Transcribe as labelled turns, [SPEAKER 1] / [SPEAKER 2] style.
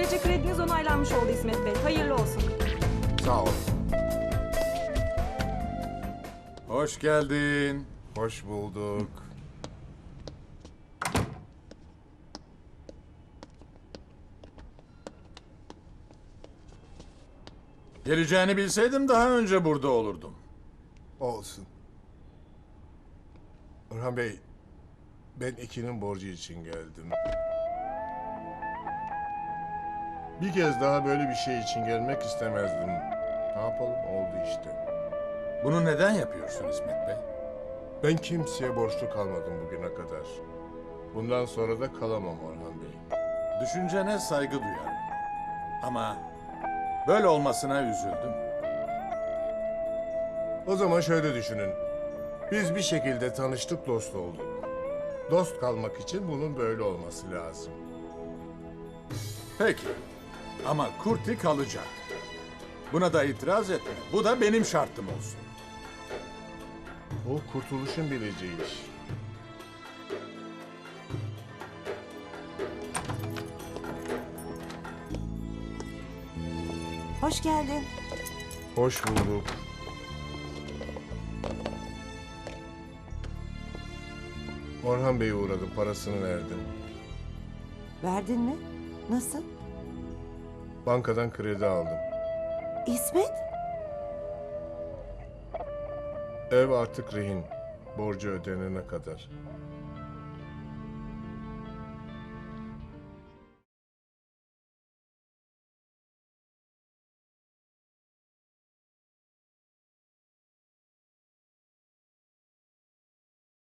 [SPEAKER 1] Böylece krediniz onaylanmış oldu İsmet Bey. Hayırlı olsun.
[SPEAKER 2] Sağ ol.
[SPEAKER 3] Hoş geldin.
[SPEAKER 2] Hoş bulduk.
[SPEAKER 3] Geleceğini bilseydim daha önce burada olurdum.
[SPEAKER 2] Olsun. Orhan Bey, ben Ekin'in borcu için geldim. Bir kez daha böyle bir şey için gelmek istemezdim. Ne yapalım, oldu işte.
[SPEAKER 3] Bunu neden yapıyorsun İsmet Bey?
[SPEAKER 2] Ben kimseye borçlu kalmadım bugüne kadar. Bundan sonra da kalamam Orhan Bey.
[SPEAKER 3] Düşüncene saygı duyarım. Ama böyle olmasına üzüldüm.
[SPEAKER 2] O zaman şöyle düşünün. Biz bir şekilde tanıştık, dost olduk. Dost kalmak için bunun böyle olması lazım.
[SPEAKER 3] Peki. Ama Kurti kalacak. Buna da itiraz etme. Bu da benim şartım olsun.
[SPEAKER 2] O kurtuluşun bileceği iş.
[SPEAKER 4] Hoş geldin.
[SPEAKER 2] Hoş bulduk. Orhan Bey'e uğradım, parasını verdim.
[SPEAKER 4] Verdin mi? Nasıl?
[SPEAKER 2] Bankadan kredi aldım.
[SPEAKER 4] İsmet?
[SPEAKER 2] Ev artık rehin. Borcu ödenene kadar.